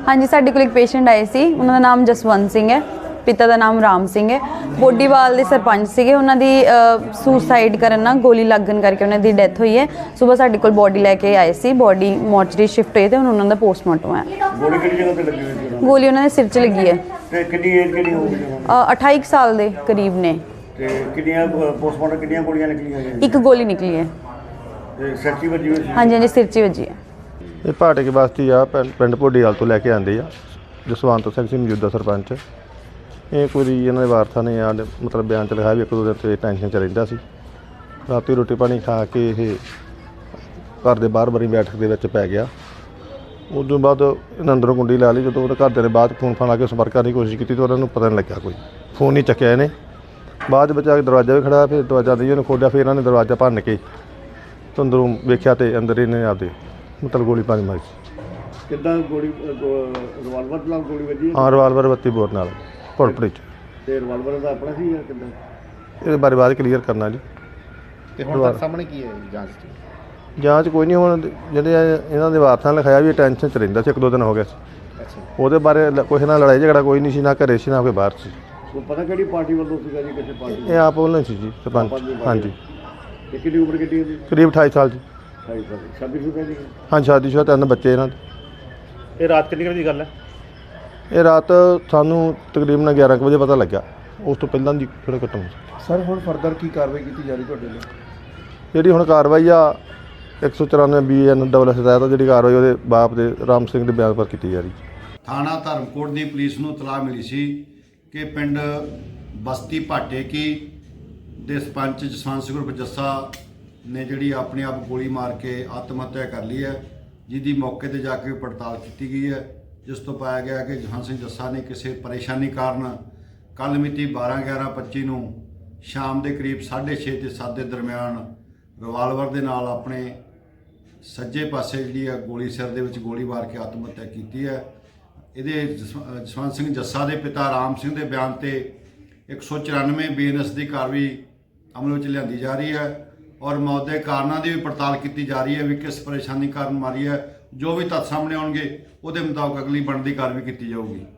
हाँ जी, साडे कोल एक पेशेंट आए सी, उन्हां दा नाम जसवंत सिंह है, पिता का नाम राम सिंह है। बोडीवाल के सरपंच सीगे, उन्होंने सुसाइड करन ना गोली लगन करके उन्होंने डेथ हुई है। सुबह साडे कोल बॉडी लैके आए सी, बॉडी मॉर्चरी शिफ्ट हुई तो उन्होंने पोस्टमार्टम है। गोली उन्होंने सिर च लगी है। 28 साल के करीब ने। एक गोली निकली है। हाँ जी हाँ जी, सिर च वजी है। ये भाटे की बस्ती आ, पिंड भोडीवाल तो लैके आंदी आ। जसवंत सिंह सी मौजूदा सरपंच। ये कोई इन्होंने वारसा ने आ मतलब बयान च लिखा भी एक दो दिन से टेंशन च रहिंदा सी। राती रोटी पानी खा के ये घर के बाहर बरी बैठक के पै गया। उस तो बाद इन्हें अंदरों कुंडी ला ली। जो घर ने बाद फोन फान ला के संपर्क करने की कोशिश की तो उन्होंने पता नहीं लग्या, कोई फोन नहीं चक्या इन्हें। बाद आके दरवाजा भी खड़ा, फिर दरवाजा नहीं उन्हें खोलिया, फिर इन्होंने दरवाजा भन्न के तो अंदरों वेख्या तो अंदर इन्हें आपदे मतलब गोली पानी मारी। हाँ, रिवाल्वर 32 बोर नाल भुड़पड़ी ये बारे बाद क्लीयर करना जी। जांच कोई नहीं, हुण जिहड़े इन्हां दे वारसां लिखाया भी टेंशन च रहिंदा सी, एक दो दिन हो गए ਉਹਦੇ ਬਾਰੇ ਕੋਈ ਨਾਲ ਲੜਾਈ ਝਗੜਾ ਕੋਈ ਨਹੀਂ ਸੀ, ਨਾ ਘਰੇ ਸੀ ਨਾ ਕੋਈ ਬਾਹਰ ਸੀ। ਪਤਾ ਕਿਹੜੀ ਪਾਰਟੀ ਵੱਲੋਂ ਸੀਗਾ ਜੀ, ਕਿਸੇ ਪਾਰਟੀ? ਇਹ ਆਪ ਵੱਲੋਂ ਸੀ ਜੀ, ਸਰਪੰਚ। ਹਾਂਜੀ। ਕਿੰਨੀ ਉਮਰ ਕਿੰਨੀ ਹੈ? ਕਰੀਬ 28 ਸਾਲ ਜੀ। 28 ਸਾਲ। ਸ਼ਾਦੀशुदा ਜੀ? ਹਾਂ, ਸ਼ਾਦੀशुदा, 3 ਬੱਚੇ ਇਹਨਾਂ ਦੇ। ਇਹ ਰਾਤ ਕਿੰਨੀ ਵਜੇ ਦੀ ਗੱਲ ਹੈ? ਇਹ ਰਾਤ ਸਾਨੂੰ ਤਕਰੀਬਨ 11 ਵਜੇ ਪਤਾ ਲੱਗਾ, ਉਸ ਤੋਂ ਪਹਿਲਾਂ ਦੀ ਥੋੜਾ ਘਟਨਾ ਸੀ। ਸਰ ਹੁਣ ਫਰਦਰ ਕੀ ਕਾਰਵਾਈ ਕੀਤੀ ਜਾ ਰਹੀ ਤੁਹਾਡੇ ਲਈ? ਜਿਹੜੀ ਹੁਣ ਕਾਰਵਾਈ ਆ 194 BN ਡਬਲ ਹਦਾਇਤ ਆ, ਜਿਹੜੀ ਕਾਰਵਾਈ ਉਹਦੇ ਬਾਪ ਦੇ ਰਾਮ ਸਿੰਘ ਦੇ ਬਿਆਨ ਪਰ ਕੀਤੀ ਜਾ ਰਹੀ। थाना धर्मकोट की पुलिस ਨੂੰ इतलाह मिली सी कि पिंड बस्ती भाटे की दे सरपंच जसवंत सिंह उर्फ जस्सा ने जिहड़ी अपने आप गोली मार के आत्म हत्या कर ली है, जिसकी मौके पर जाके पड़ताल की गई है, जिस तो पाया गया कि जसवंत सिंह जस्सा ने किसी परेशानी कारण कल मिति 12/11/25 ਨੂੰ शाम के करीब 6:30 ਤੇ 7 ਦੇ ਦਰਮਿਆਨ रिवाल्वर ਦੇ ਨਾਲ ਆਪਣੇ सज्जे पासे जी गोली सिर दे विच गोली मार के आत्म हत्या की है। ये जसवंत सिंह जस्सा के पिता राम सिंह के बयान से 194 BNS की कार्रवाई अमल में लिया जा रही है और मौत के कारणों की भी पड़ताल की जा रही है भी किस परेशानी कारण मारी है। जो भी तत्थ सामने आउणगे उहदे मुताबिक अगली बनती कार्रवाई की जाऊगी।